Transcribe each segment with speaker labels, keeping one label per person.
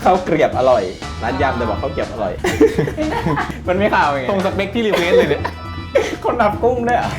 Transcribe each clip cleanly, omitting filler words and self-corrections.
Speaker 1: ข้าวเกรียบอร่อยร้านยำแต่บอกข้าวเกรียบอร่อย มันไม่ข่าวไง
Speaker 2: ตรงสเปคที่รีเควสเลยเนี่ย
Speaker 1: คนนับกุ้งด้วยอ่ะ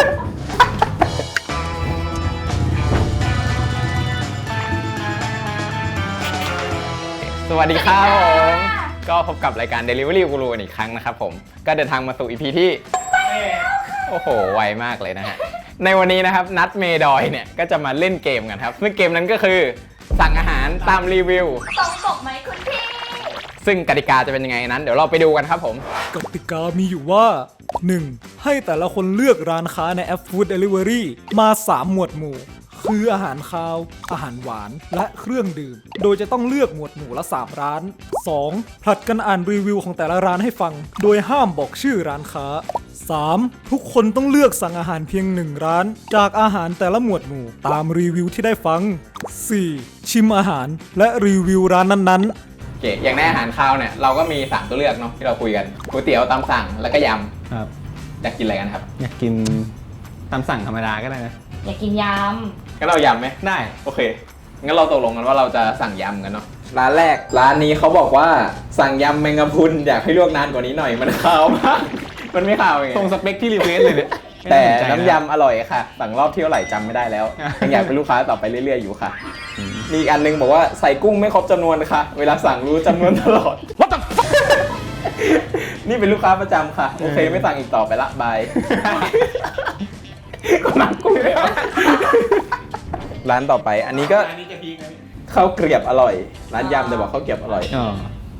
Speaker 2: สวัสดีครับผมก็พบกับรายการ Delivery Guru กันอีกครั้งนะครับผมก็เดินทางมาสู่ EP ที่โอ้โหไวมากเลยนะฮะในวันนี้นะครับนัดเมดอยเนี่ยก็จะมาเล่นเกมกันครับซึ่งเกมนั้นก็คือสั่งอาหารตามรีวิว
Speaker 3: ตรงปกไหมคุณพี่
Speaker 2: ซึ่งกติกาจะเป็นยังไงนั้นเดี๋ยวเราไปดูกันครับผม
Speaker 4: กติกามีอยู่ว่า 1. ให้แต่ละคนเลือกร้านค้าในแอป Food Delivery มา 3 หมวดหมู่คืออาหารคาว อาหารหวาน และเครื่องดื่ม โดยจะต้องเลือกหมวดหมู่ละ 3 ร้าน 2. ผลัดกันอ่านรีวิวของแต่ละร้านให้ฟัง โดยห้ามบอกชื่อร้านค้า 3. ทุกคนต้องเลือกสั่งอาหารเพียง 1 ร้าน จากอาหารแต่ละหมวดหมู่ตามรีวิวที่ได้ฟัง 4. ชิมอาหารและรีวิวร้านนั้นๆ
Speaker 2: โอเคอย่างในอาหารคาวเนี่ยเราก็มี3ตัวเลือกเนาะที่เราคุยกันก๋วยเตี๋ยวตามสั่งแล้วก็ย
Speaker 5: ครับ
Speaker 2: ำอยากกินอะไรกันครับ
Speaker 5: อยากกินตามสั่งธรรมดาก็ได้นะ
Speaker 3: อยากกินย
Speaker 2: งั้นเรายำไหม
Speaker 5: ได้
Speaker 2: โอเคงั้นเราตกลงกันว่าเราจะสั่งยำกันเนาะ
Speaker 1: ร้านแรกร้านนี้เขาบอกว่าสั่งยำแมงกะพรุนอยากให้ลวกนานกว่านี้หน่อยมันคาวมาก มันไม่คาวไง
Speaker 2: ตรงสเปคที่รีเควสเลยเนี่ย
Speaker 1: แต่น้ำยำอร่อยค่ะสั่งรอบที่เท่าไหร่จำไม่ได้แล้วยังอยากเป็นลูกค้าต่อไปเรื่อยๆอยู่ค่ะมีอีกอันนึงบอกว่าใส่กุ้งไม่ครบจำนวนค่ะ เวลาสั่งรู้จำนวนตลอด What the fuck นี่เป็นลูกค้าประจำค่ะโอเคไม่สั่งอีกต่อไปละบายก็นักกุ้งเลยร้านต่อไปอันนี้ก็
Speaker 2: อันนี้จะพีคนะ
Speaker 1: ข้าวเกรียบอร่อยร้านยำแต่บอกข้าวเกรียบอร่อย
Speaker 5: อ๋อ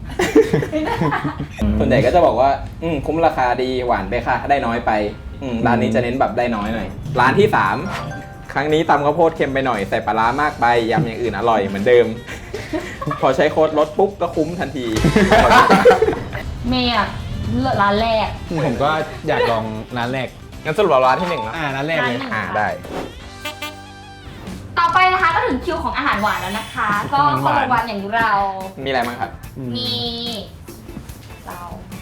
Speaker 1: ส่วนใหญ่ก็จะบอกว่าคุ้มราคาดีหวานไปค่ะได้น้อยไปร้านนี้จะเน้นแบบได้น้อยหน่อยร้านที่ 3 ครั้งนี้ตำข้าวโพดเค็มไปหน่อยใส่ปลาร้ามากไปยำอย่างอื่นอร่อยเหมือนเดิม พอใช้โค้ดลดปุ๊บก็คุ้มทันที
Speaker 3: ำเมย์อะร้านแรก
Speaker 5: ผมก็อยากลองร้านแรก
Speaker 2: งั้นสรุปเราร้านที่1เนาะ
Speaker 5: ร้านแรกเลย
Speaker 3: ร้าน
Speaker 1: ได้
Speaker 3: ต่อไปนะคะก็ถึงคิวของอาหารหวานแล้วนะคะ ก็
Speaker 5: อาหารหวาน
Speaker 3: คนละวันอย่างเรา
Speaker 1: มีอะไรบ้างครับ
Speaker 3: มีเรา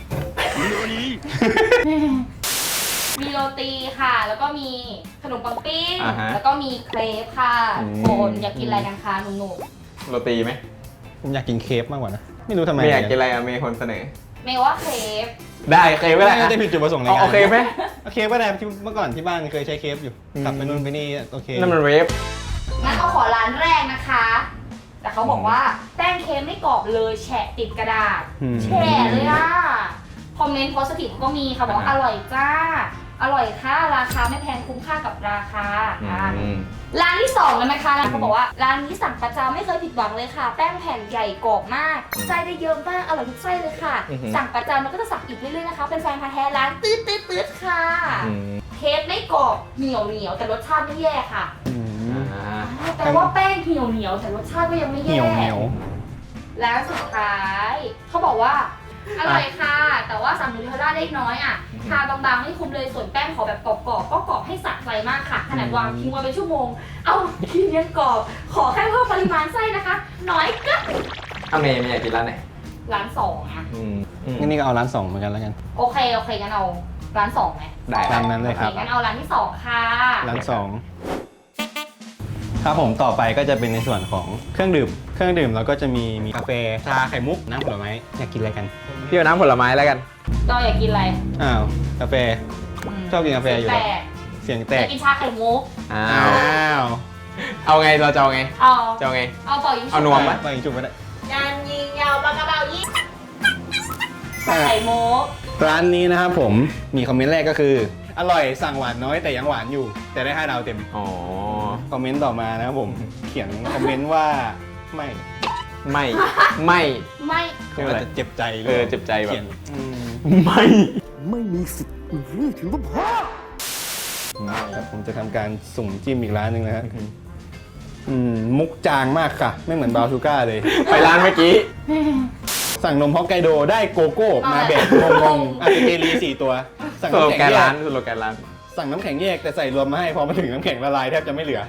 Speaker 3: มีโรตีค่ะ แล้วก็มีขนมปังปิ้ง
Speaker 1: อ่าฮะ
Speaker 3: แล้วก็มีเครปค่ะคนอยากกินอะไรกันคะหนุ่ม
Speaker 1: โรตีไหม
Speaker 5: ผมอยากกินเคฟมากกว่านะ ไม่รู้ทำไม
Speaker 1: ไม่อยากกินอะไรอะเมย์คนเสนอ
Speaker 3: ๆเมย์ว่าเครป
Speaker 1: ได้เคยไม่ได้
Speaker 5: ไม่ได้ผิดจุดประสงค์ในงาน
Speaker 1: โอเคไหม
Speaker 5: โอเคก็ได้ที่เมื่อก่อนที่บ้านเคยใช้เคฟอยู่กลับไปนู่นไปนี่โอเค
Speaker 1: นั่นมันเวฟ
Speaker 3: งั้นเอาขอร้านแรกนะคะ แต่เขาบอกว่าแป้งเค้กไม่กรอบเลยแฉะติดกระดาษ แฉะเลยอ่ะ คอมเมนต์โพสติฟก็มีค่ะบอกว่าอร่อยจ้า อร่อยค่ะราคาไม่แพงคุ้มค่ากับราคาร้านที่2กันนะคะร้านเขาบอกว่าร้านนี้สั่งประจำไม่เคยผิดหวังเลยค่ะ แป้งแผ่นใหญ่กรอบมากไส้ได้เยอะมากอร่อยทุกไส้เลยค่ะ สั่งประจำแล้วก็จะสั่งอีกเรื่อยๆนะคะเป็นแฟนพันธุ์แท้ร้านตืดค่ะเค้กไม่กรอบเหนียวแต่รสชาติไม่แย่ค่ะแต่ว่าแป้งเหนียวแต่รสชาติก็ยังไม่
Speaker 5: เห
Speaker 3: แย่
Speaker 5: นียว
Speaker 3: แล้วสุดท้ายเขาบอกว่าอร่อยค่ะ แต่ว่าสั่งนูเทลล่าได้น้อยอ่ะทาบางๆไม่คุ้มเลยส่วนแป้งขอแบบกรอบๆก็กรอบให้สะใจมากค่ะขนาดวางทิ้งไว้เป็นชั่วโมงเอากินยังกรอบขอแค่เพิ่มปริมาณไส้นะคะ น้อยก็
Speaker 1: เมย์อยากกินร้านไหน
Speaker 3: ร้าน2อ่ะ
Speaker 5: งั้นนี่ก็เอาร้าน2เหมือนกันแล้วกัน
Speaker 3: โอเคงั้นเอาร้าน2ไหม
Speaker 1: ได้
Speaker 5: ตามนั้นเลยครับ
Speaker 3: โองั้นเอาร้านที่2ค่ะ
Speaker 5: ร้าน2ครับผมต่อไปก็จะเป็นในส่วนของเครื่องดื่มแล้วก็จะมีกาแฟชาไข่มุกน้ำผลไม้อยากกินอะไรกัน
Speaker 1: พี่เอาน้ำผลไม้แล้วกัน
Speaker 3: เราอยากกินอะไร
Speaker 5: อ้าวกาแฟ ชอบกินกาแฟอยู่แล้ว
Speaker 3: แต่
Speaker 5: เสียงแต
Speaker 3: อยาก กกินชาไข่มุก
Speaker 1: อ้า
Speaker 5: อ้าว ว
Speaker 1: เอาไงเราจะเอาไง
Speaker 3: เอา
Speaker 1: จะเอาไง
Speaker 3: เอาเป่ายิงฉุบ
Speaker 1: เอานวมไหม
Speaker 5: ไปอีกจุดไปได้
Speaker 3: ยานยิงยาวปากกระเป๋ายิงชาไข่มุก
Speaker 5: ร้านนี้นะครับผมมีคอมเมนต์แรกก็คือ อร่อยสั่งหวานน้อยแต่ยังหวานอยู่ แต่ได้5 ดาวเต็ม
Speaker 1: อ๋อ
Speaker 5: คอมเมนต์ต่อมานะครับผมเขียนคอมเมนต์ว่าไม่
Speaker 1: ไม่
Speaker 3: ไม่
Speaker 5: ก็อาจจะเจ็บใจลย
Speaker 1: เจ็บใจแบบ
Speaker 5: เขียน
Speaker 1: ไม่
Speaker 5: ครับผมจะทำการสุ่มจิ้มอีกร้านหนึ่งนะฮะมุกจางมากค่ะ ไม่เหมือนบราวน์ชูก้าเลย
Speaker 1: ไปร้านเมื่อกี้
Speaker 5: สั่งนมฮอกไกโดได้โกโก้มาแบบงงๆอาจจะเกลี4 ตัว สั่ง
Speaker 1: สโล
Speaker 5: น้ำ
Speaker 1: แก
Speaker 5: แข็ง
Speaker 1: น
Speaker 5: แย
Speaker 1: ร้าก นสโลแกนร้าน
Speaker 5: สั่งน้ำแข็งแยกแต่ใส่รวมมาให้พอมาถึงน้ำแข็งละลายแทบจะไม่เหลือ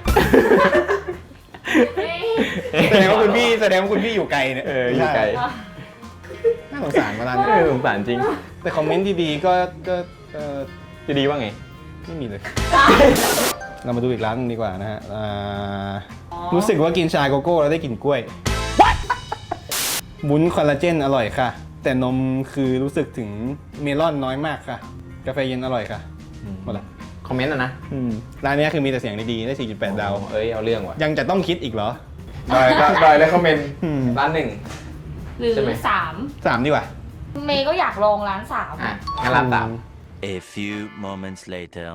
Speaker 5: แสดงว่าคุณพี่อยู่ไกลเนี่ย
Speaker 1: อยู่ไกล
Speaker 5: น่าสงสารมาร้านนี้
Speaker 1: สงสารจริง
Speaker 5: แต่คอมเมนต์ดีๆก็
Speaker 1: จะดีว่าไง
Speaker 5: ไม่มีเลย เรามาดูอีกร้านหนึงดีกว่านะฮะรู้สึกว่ากินชาโกโก้แล้วได้กลิ่นกล้วยวุ้นคอลลาเจนอร่อยค่ะ แต่นมคือรู้สึกถึงเมลอนน้อยมากค่ะ กาแฟเย็นอร่อยค่ะหมดละ
Speaker 2: คอมเมนต์นะ
Speaker 5: ร้านนี้คือมีแต่เสียงดีๆได้ 4.8 ดาว
Speaker 2: เอ้ยเอาเรื่องว่ะ
Speaker 5: ยังจะต้องคิดอีกเหรอ
Speaker 2: ดอยเลยคอมเมนต์
Speaker 5: อืม
Speaker 2: ร้านหนึ่ง
Speaker 3: หรือ
Speaker 2: ใช่ไหม
Speaker 3: 3
Speaker 5: 3 ดีกว่า
Speaker 3: เมย์ก็อยากลองร้าน3
Speaker 2: อ่ะงั้นร้านสาม
Speaker 6: A few moments later.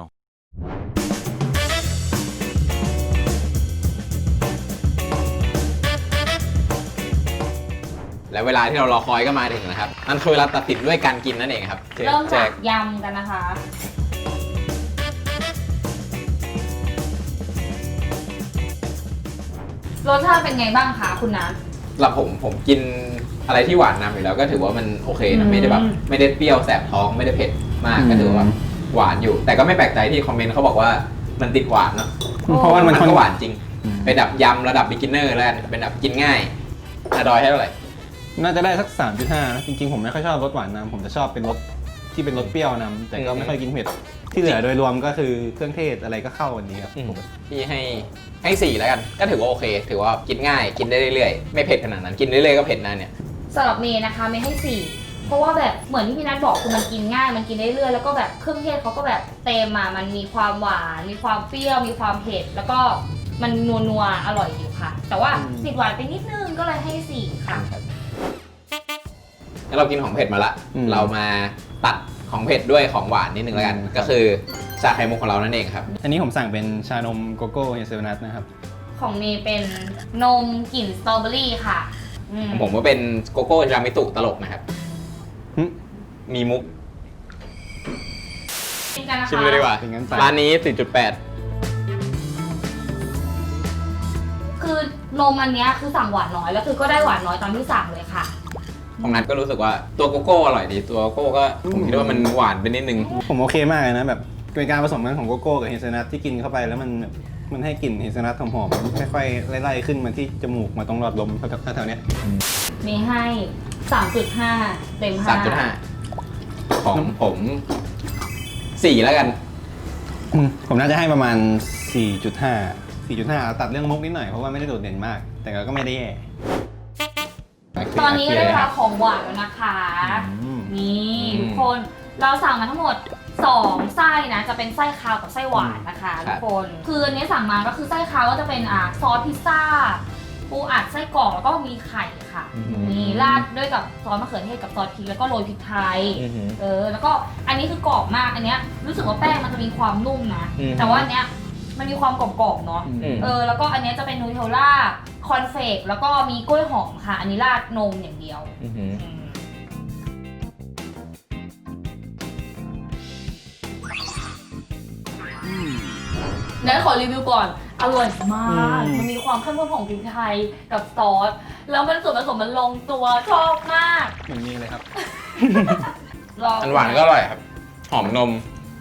Speaker 2: และเวลาที่เรารอคอยก็มาถึงนะครับนั่นคือเวลาตัดสินด้วยการกินนั่นเองครับ
Speaker 3: เริ่ม
Speaker 2: แจ
Speaker 3: จากยำกันนะคะ รสชาติเป็นไงบ้างคะคุณนัท
Speaker 2: สำหรับผมกินอะไรที่หวานนำอยู่แล้วก็ถือว่ามันโอเคนะไม่ได้แบบไม่ได้เปรี้ยวแสบท้องไม่ได้เผ็ดมากก็ถือว่าหวานอยู่ แต่ก็ไม่แปลกใจที่คอมเมนต์เขาบอกว่ามันติดหวานเนาะ
Speaker 5: เพราะว่ามัน
Speaker 2: ก็หวานจริงเป็นแบบยำระดับ beginner แล้วกันเป็นแบบกินง่ายอะดอยให้เท่าไหร่
Speaker 5: น่าจะได้สัก 3.5 นะ จริงๆ ผมไม่ค่อยชอบรสหวานนำผมจะชอบเป็นรสที่เป็นรสเปรี้ยวนำแต่ก็ไม่ค่อยกินเผ็ด ที่เหลือโดยรวมก็คือเครื่องเทศอะไรก็เข้ากันดีครับ
Speaker 2: พี่ให้4แล้วกันก็ถือว่าโอเค ถือว่ากินง่ายกินได้เรื่อยๆไม่เผ็ดขนาดนั้นกินเรื่อยๆก็เผ็ดนะเนี่ย
Speaker 3: สำหรับเมย์นะคะเมย์ให้ 4 เพราะว่าแบบเหมือนที่พี่นัทบอกคือมันกินง่ายมันกินได้เรื่อยแล้วก็แบบเครื่องเทศเขาก็แบบเต็มมามันมีความหวานมีความเปรี้ยวมีความเผ็ดแล้วก็มันนัวๆอร่อยอยู่ค่ะ แต่ว่าติดหวานไปนิดนึงก็เลยให้ 4 ค่ะ
Speaker 2: แล้วเรากินของเผ็ดมาละ เรามาตัดของเผ็ดด้วยของหวานนิดนึงแล้วกัน ก็คือชาไข่มุกของเรานั่นเองครับ
Speaker 5: อันนี้ผมสั่งเป็นชานมโกโก้เฮเซลนัทนะครับ
Speaker 3: ของเมย์เป็นนมกลิ่นสตรอเบอรี่ค่ะอืม
Speaker 2: ผมก็เป็นโกโก้รามิตุตลกนะครับ
Speaker 5: หึ
Speaker 2: มีมุก
Speaker 3: ชิมกันนะคะ
Speaker 2: ชิมเลยดีกว่า
Speaker 5: เป็นงั้นไป
Speaker 2: ร้านนี้ 4.8
Speaker 3: คือนมอันเนี้ยคือสั่งหวานน้อยแล้วคือก็ได้หวานน้อยตามที่สั่งเลยค่ะ
Speaker 2: ของนัทก็รู้สึกว่าตัวโกโก้อร่อยดี ตัวโกโก้ก็ผมคิดว่ามันหวานไปนิดนึง
Speaker 5: ผมโอเคมากเลยนะแบบเป็นการผสมกันของโกโก้กับเฮเซลนัทที่กินเข้าไปแล้วมันให้กลิ่นเฮเซลนัทหอมๆค่อยๆไล่ๆขึ้นมาที่จมูกมาตรงหลอดลมแถวๆเนี้ย
Speaker 3: เมย์ให้ 3.5 เต็ม 5
Speaker 2: 3.5 ของผม 4 แล้วกัน
Speaker 5: ผมน่าจะให้ประมาณ 4.5 ตัดเรื่องมุกนิดหน่อยเพราะว่าไม่ได้โดดเด่นมาก แต่ก็ไม่ได้แย่
Speaker 3: ตอนนี้ก็ได้เวลาของหวานแล้วนะคะ
Speaker 5: อืม
Speaker 3: นี่ทุกคนเราสั่งมาทั้งหมด 2 ไส้นะ จะเป็นไส้คาวกับไส้หวานนะคะ
Speaker 2: ครั
Speaker 3: ทุ
Speaker 2: บ
Speaker 3: กคน คืออันนี้สั่งมาก็คือไส้คาวก็จะเป็นซอสพิซซ่า ปูอัดไส้กรอกแล้วก็มีไข่ค่ะ นี่ราดด้วยกับซอสมะเขือเทศกับซอสพริกแล้วก็โรยพริกไทย แล้วก็อันนี้คือกรอบมาก อันเนี้ยรู้สึกว่าแป้งมันจะมีความนุ่มนะ แต่ว่าอันเนี้ยมันมีความกรอบๆเนาะ แล้วก็อันเนี้ยจะเป็นนูเทลล่า คอนเฟกแล้วก็มีกล้วยหอมค่ะ อันนี้ราดนมอย่างเดียว นั้นขอรีวิวก่อน อร่อยมาก มันมีความเข้มข้นของพริกไทยกับซอส แล้วมันส่วนผสมมันลงตัวชอบมาก
Speaker 5: เหมือนมีเลยครับ
Speaker 3: ลอง
Speaker 2: อันหวานก็อร่อยครับ หอมนม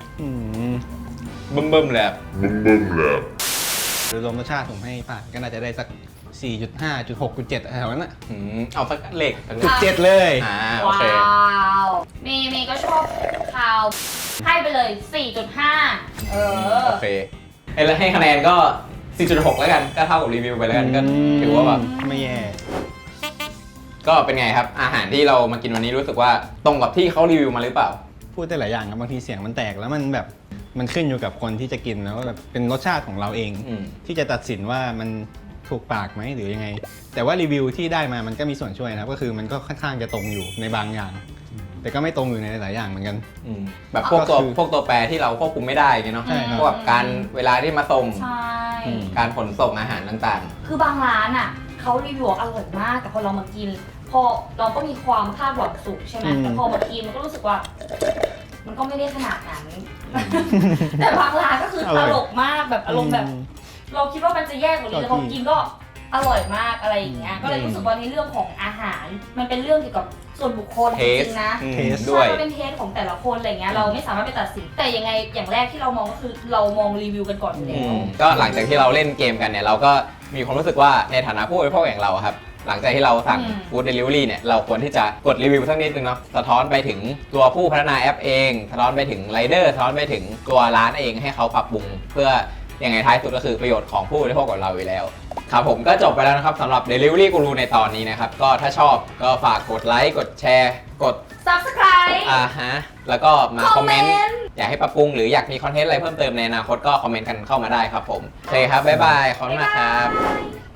Speaker 2: บึ้มๆเลยครับ
Speaker 5: โดยรวมรสชาติผมให้ผ่านก็น่าจะได้สัก 4.5 6.7แถวนั้นน่ะ
Speaker 2: เอาสักเลขสัก
Speaker 5: 7 เลย
Speaker 2: โอเค
Speaker 3: ว้าวเมย์ก็ชอบคาว ให้ไปเลย 4.5
Speaker 2: โอเคแล้วให้คะแนนก็ 4.6 แล้วกัน ก็เท่ากับรีวิวไปแล้วกัน ก็ถือว่าแบบ
Speaker 5: ไม่แย่
Speaker 2: ก็เป็นไงครับ อาหารที่เรามากินวันนี้รู้สึกว่าตรงกับที่เขารีวิวมาหรือเปล่า
Speaker 5: พูดได้หลายอย่างครับบางทีเสียงมันแตกแล้วมันแบบมันขึ้นอยู่กับคนที่จะกินแล้วแบบเป็นรสชาติของเราเอง ที่จะตัดสินว่ามันถูกปากไหมหรือยังไง แต่ว่ารีวิวที่ได้มามันก็มีส่วนช่วยนะครับก็คือมันก็ค่อนข้างจะตรงอยู่ในบางอย่าง แต่ก็ไม่ตรงอยู่ในหลายอย่างเหมือนกัน
Speaker 2: แบบพวกตัว
Speaker 5: ก็คือ
Speaker 2: พวกตัวแปรที่เราควบคุมไม่ได้ไงเนาะ
Speaker 5: ใช่ครับ
Speaker 2: พวกแบบการเวลาที่มาส่ง
Speaker 3: ใช่
Speaker 2: การขนส่งอาหารต่าง
Speaker 3: คือบางร้านอ่ะเขารีวิวอร่อยมาก แต่พอเรามากิน พอเราก็มีความคาดหวังสูงใช่ไหมแต่พอมากินมันก็รู้สึกว่า มันก็ไม่ได้ขนาดนั้น แต่บางร้านก็คือตลกมากแบบอารมณ์แบบ เราคิดว่ามันจะแย่กว่านี้แต่พอกินก็อร่อยมากอะไรอย่างเงี้ย ก็เลยรู้สึกว่าในเรื่องของอาหาร มันเป็นเรื่องเกี่ยวกับส่วนบุคคล
Speaker 2: ๆ เท
Speaker 3: จ
Speaker 2: ส
Speaker 3: ริงๆนะ
Speaker 2: ด้
Speaker 3: ใช่
Speaker 2: วย
Speaker 3: มันเป็นเทสของแต่ละคนอะไรเงี้ย เราไม่สามารถไปตัดสิน แต่ยังไงอย่างแรกที่เรามองก็คือเรามองรีวิวกันก่อนอยู่แล้ว
Speaker 2: ก็หลังจากที่เราเล่นเกมกันเนี่ยเราก็มีความรู้สึกว่าในฐานะผู้บริโภคอย่างเราอะครับ หลังจากที่เราสั่ง ฟู้ดเดลิเวอรี่เนี่ยเราควรที่จะกดรีวิวสักนิดนึงเนาะสะท้อนไปถึงตัวผู้พัฒนาแอปเองสะท้อนไปถึงไรเดอร์สะท้อนไปถึงตัวร้านเองให้เขาปรับปรุง เพื่อยังไงท้ายสุดก็คือประโยชน์ของผู้บริโภคกับเราอยู่แล้วครับผมก็จบไปแล้วนะครับสำหรับ Delivery Guru ในตอนนี้นะครับ ก็ถ้าชอบก็ฝากกดไลค์กดแชร์กด
Speaker 3: Subscribe
Speaker 2: แล้วก็มาคอมเมนต์
Speaker 3: comment
Speaker 2: อยากให้ปรับปรุงหรืออยากมีคอนเทนต์อะไรเพิ่มเติมในอนาคตก็คอมเมนต์กันเข้ามาได้ครับผมโอเคครับบ๊ายบายขอบคุณมากครับ
Speaker 3: บ๊ายบาย